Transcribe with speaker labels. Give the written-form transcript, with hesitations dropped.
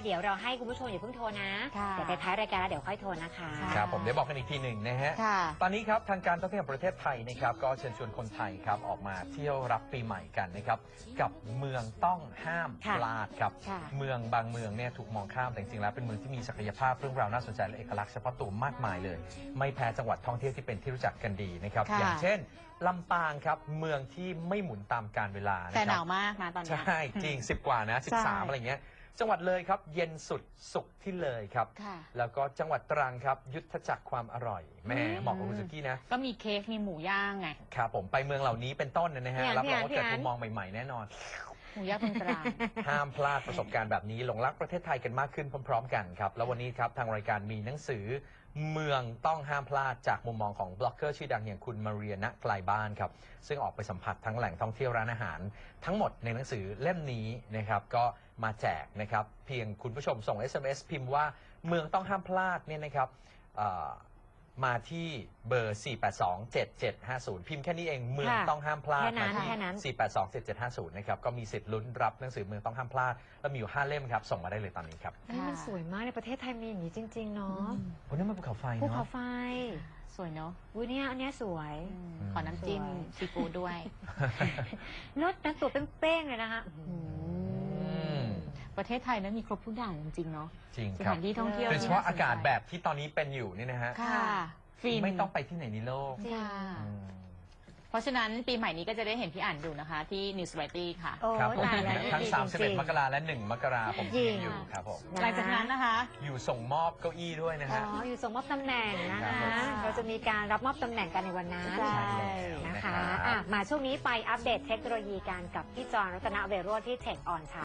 Speaker 1: เดี๋ยวเราให้คุณผู้ชมอย่าเพิ่งโทรนะเดี๋ยวไปท้ายรายการแล้วเดี๋ยวค่อยโทรนะคะ
Speaker 2: ครับผมเดี๋ยวบอกกันอีกทีหนึ่งนะฮะตอนนี้ครับทางการท่องเที่ยวแห่งประเทศไทยนะครับก็เชิญชวนคนไทยครับออกมาเที่ยวรับปีใหม่กันนะครับกับเมืองต้องห้ามพลาดครับเมืองบางเมืองเนี่ยถูกมองข้ามแต่จริงๆแล้วเป็นเมืองที่มีศักยภาพเรื่องราวน่าสนใจและเอกลักษณ์เฉพาะตัวมากมายเลยไม่แพ้จังหวัดท่องเที่ยวที่เป็นที่รู้จักกันดีนะครับอย่างเช่นลำปางครับเมืองที่ไม่หมุนตามกาลเวลา
Speaker 3: แต่หนาวมากนะตอนนี้
Speaker 2: ใช่จริง10 กว่านะ13อะไรเงี้ยจังหวัดเลยครับเย็นสุดสุขที่เลยครับแล้วก็จังหวัดตรังครับยุทธจักรความอร่อยแม่เหมาะกับคุณสุกี้นะ
Speaker 3: ก็มีเค้กมีหมูย่างไง
Speaker 2: ครับผมไปเมืองเหล่านี้เป็นต้นนะฮะรับรองว่าเกิดมุมมองใหม่ๆแน่นอน
Speaker 3: หมูย่างตรัง
Speaker 2: ห้ามพลาดประสบการณ์แบบนี้หลงรักประเทศไทยกันมากขึ้นพร้อมๆกันครับแล้ววันนี้ครับทางรายการมีหนังสือเมืองต้องห้ามพลาดจากมุมมองของบล็อกเกอร์ชื่อดังอย่างคุณมาเรียณไกลบ้านครับซึ่งออกไปสัมผัสทั้งแหล่งท่องเที่ยวร้านอาหารทั้งหมดในหนังสือเล่มนี้นะครับก็มาแจกนะครับเพียงคุณผู้ชมส่ง SMS พิมพ์ว่าเมืองต้องห้ามพลาดเนี่ยนะครับมาที่เบอร์ 4827750 พิมพ์แค่นี้เองเมืองต้องห้ามพลาด
Speaker 1: แค่นั้น
Speaker 2: 4827750 นะครับก็มีสิทธิ์ลุ้นรับหนังสือเมืองต้องห้ามพลาดแล้วมีอยู่5 เล่มครับส่งมาได้เลยตอนนี้ครับ
Speaker 1: นี่มันสวยมากในประเทศไทยมีอย่างนี้จริงๆเนาะ
Speaker 2: วันนี้มันภูเขาไฟเนาะ
Speaker 1: ภูเขาไฟ
Speaker 3: สวยเนาะ
Speaker 1: อุ้ยเนี่ยอันนี้สวย
Speaker 3: ขอน้ำจิ้มซีฟู้ดด้วย
Speaker 1: รสนะตัวเป้งๆเลยนะคะ
Speaker 3: ประเทศไทยนั้นมีครบทุกอย่างจริงๆเนาะ
Speaker 2: จริง
Speaker 3: สถานที่ท่องเที่ยว
Speaker 2: โดยเฉพาะอากาศแบบที่ตอนนี้เป็นอยู่นี่นะฮะไม่ต้องไปที่ไหนในโลก
Speaker 3: เพราะฉะนั้นปีใหม่นี้ก็จะได้เห็นพี่อ่านอยู่นะคะที่ News Variety ค่ะ
Speaker 2: ครับผมทั้ง31 มกราและ1 มกราผมอยู่ครับผม
Speaker 3: หลังจากนั้นนะคะ
Speaker 2: อยู่ส่งมอบเก้าอี้ด้วยนะฮะ
Speaker 1: อยู่ส่งมอบตำแหน่งนะคะเราจะมีการรับมอบตำแหน่งกันในวันนั้นนะคะมาช่วงนี้ไปอัปเดตเทคโนโลยีกันกับพี่จอนรัตนเวโรจน์ที่เทคออนค่ะ